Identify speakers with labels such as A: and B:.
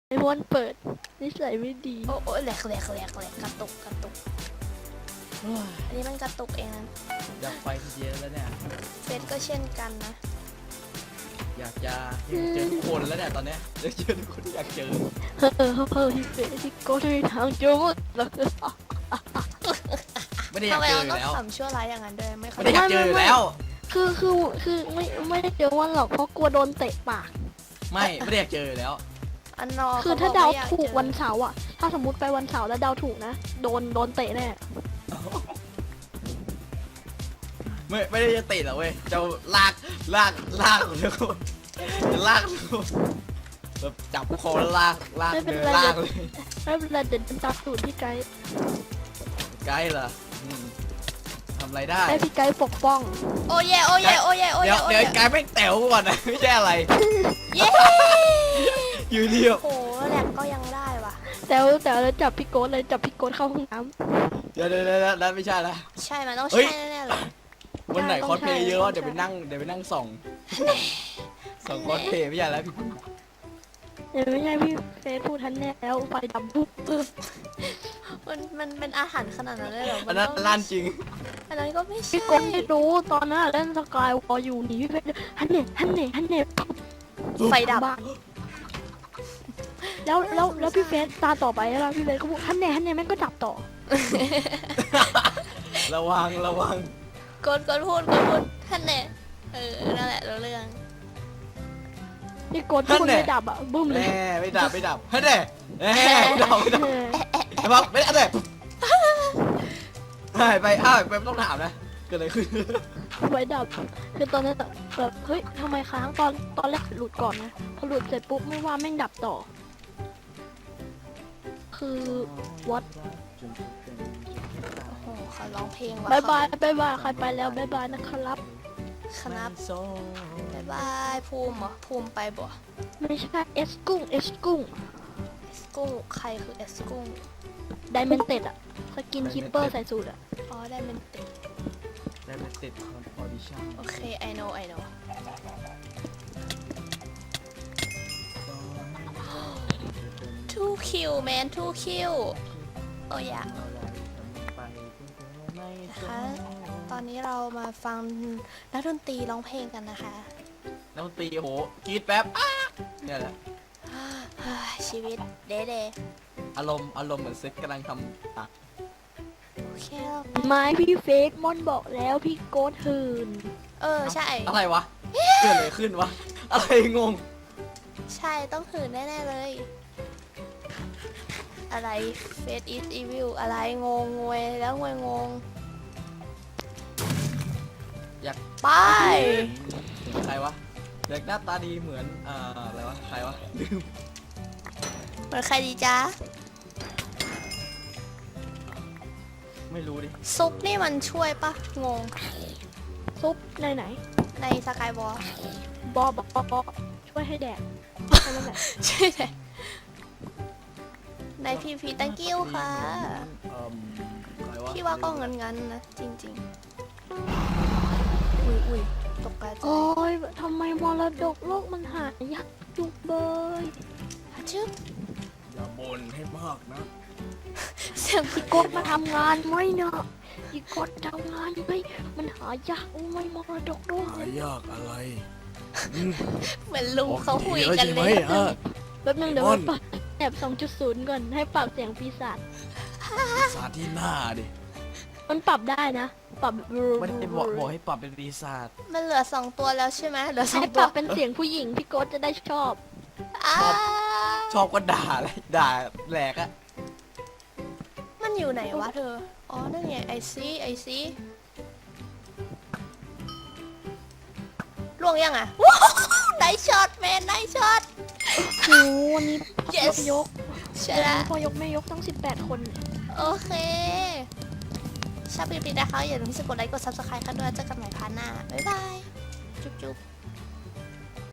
A: ไอ้พวนเปิดนิสัยไม่ดี
B: โอ้แหลกกระตุกอันนี้มันกระตุกเองนะ
C: อยากไปทีเดียวแล้วเนี่ย
B: เฟซก็เช่นกันนะ
C: อยากจะเจอทุกคนแล้วเนี่ยตอนเนี้ยอยากเจอทุกคนที่อยากเจอ
A: ที่เฟซที่โก้ที่ทางโจ้แล้วก็
C: ไม่ได้อยา
B: ทำ
C: ก
B: ไม
C: เจอ
B: เรา
C: อยู่
B: ต้อง
C: แล้ว
B: ทำชั่วร้ายอย่างนั้นด้วยไม่เข้า
C: ไม่
B: ใจ
C: ได้อยากเจออยู่แล้ว
A: คือไม่ได้เจอวันหรอกเพราะกลัวโดนเตะปาก
C: ไม่ได้อยากเจออยู่แล้ว
B: อันนอ
A: คือถ้าเดาถูกวันเสาร์อะถ้าสมมติไปวันเสาร์แล้วเดาถูกนะโดนเตะแน่
C: ไม่ได้จะติดหรอกเว้ยจะลากทุกคนจะลากทุกคนแบบจับคอแล้วลากเดินลากเลย
A: แล้วเวลาเดินจับสูตรพี่ไกด์
C: ไกด์เหรอทำอะไรได้
A: ให้พี่ไกด์ปกป้อง
B: โอ้เย่
C: เดี๋ยวไกด์ไม่งแต๋วก่อนนะไม่ใช่อะไร
B: เย่
C: อยู่เดียว
B: โอ้แหลกก็ยังได้ว่ะ
A: แต่แล้วจับพี่โก้เลยจับพี่โก้เข้าห้องน้
C: เดี๋ยวนั่นไม่ใช่ละ
B: ใช่มันต้อง
C: เฮ้ย
B: ใช่แน่ๆเลย
C: วันไหนคอสเพลย์เยอะเดี๋ยวไปนั่งส่องคอสเพลย์ไม่ใช่แล้วพี่
A: ำเดี๋ยวไม่ใช่พี่เฟซพูดทันแน่แล้วไฟดำปุ๊บ
B: มันเป็นอาหารขนาดนั้นเลยเหรอ
C: อันนั้นลั่นจริง
B: อันนั้นก็ไม่ใช่
A: พี่โก้ไม่รู้ตอนนั้นเล่นสกายวอลอยู่หนีพี่เฟซฮันเน่
B: ไฟดับ
A: บ้าแล้วพี่เฟซตาต่อไปแล้วพี่เฟซก็พูดฮันเน่แม่งก็ดับต่อ
C: ระวัง
B: กดพูดท่านเนี่ยนั่นแหละรู้เรื่อง
A: นี่กดทุกคนไม่ดับอ่ะบึ้มเลย
C: แน่ไม่ดับเฮ้ยเด้ไม่ดับไอ้บอกไม่ได้หายไปไปต้องถามนะเกิดอะไรขึ้น
A: ไฟดับคือตอนนั้นแบบเฮ้ยทำไมค้างตอนแรกหลุดก่อนนะพอหลุดเสร็จปุ๊บไม่ว่าแม่งดับต่อ คือวัด
B: โอ้โหเขาร้องเพลงว่ะ
A: บายบายใครไปแล้วบายบายนะครับ
B: ครับบายบายภูมิเหรอภูมิไปบ่
A: ไม่ใช่เอสกุ้ง
B: เอสกุ้งใครคือเอสกุ้ง
A: ไดเมนเต็ดอะสกินคิปเปอร์ใส่สูตรอะ
B: อ๋อได้เป็นติด
C: ได้มาติดออดิชั่น
B: โอเค I know 2 kill man 2 kill โอ้ยะนะคะตอนนี้เรามาฟังนักดนตรีร้องเพลงกันนะคะ
C: แล้วตีโหกรีดแป๊บเนี่ยแหละ
B: ชีวิตเด
C: อารมณ์เหมือนเซ็ตกำลังทำตัก
B: โอเค
A: ไม้พี่เฟกมอนบอกแล้วพี่โกดหืน
B: ใช่
C: อะไรวะเกิดอะไรขึ้นวะอะไรงง
B: ใช่ต้องหื่นแน่ๆเลย อะไร Face is evil อะไรงงงวยแล้วงง
C: อยาก
B: ไป
C: ใครวะเด็กหน้าตาดีเหมือนอะไรวะใครวะลืม
B: เหมือนใครดีจ๊ะ
C: ไม่รู้ดิ
B: ซุปนี่มันช่วยปะงง
A: ซุปไหน
B: ในสกายวอล
A: บอช่วยให้แดกแค่นั้นแหละ
B: ใช่ไหมในพีพี thank you ค่ะ
C: ใครวะ
B: พี่ว่าก็เงินนะ จริงๆ อุ้ยตกใจ
A: โอ้ยทำไมมรดกโลกมันหายากจุกเบย
B: ฮัชึบ
C: อย่าบ่นให้มากนะ
B: เสียง
A: พี่โกดมาทำงานไหมเนาะพี่โกดทำงานไหมมันหายากไม่มรดกด้วย
C: หายากอะไร
B: เหมือนลุงเขาคุยกันเลย
A: แป๊บนึงเดี๋ยวไปปรับแอบ 2.0 ก่อนให้ปรับเสียงปีศาจ
C: สาที่หน้าดิ
A: มันปรับได้นะ ปรับ
C: ไม่ได้บอกให้ปรับเป็นปีศาจ
B: มันเหลือ2 ตัวแล้วใช่ไหมเหลือ
A: ให้
B: 2
A: ป
B: ตัว
A: รับเป็นเสียงผู้หญิงพี่โกดจะได้ชอบ
C: ชอบก็ด่าเลยด่าแหลกอะ
B: มันอยู่ไหนวะเธอ อ๋อ นั่นไงไอซีล่วงยังอ่ะได้ช็อตแมนได้ช็อต
A: โหวันนี้
B: Yes
A: ยก
B: ใช่แล้ว
A: พ่อยกแม่ยกต้อง18 คน
B: โอเคชอบคลิปนี้นะคะอย่าลืมที่จะกดไลค์กด subscribe กันด้วยเจอกันใหม่พาร์ทหน้า บ๊ายบาย จุ๊บ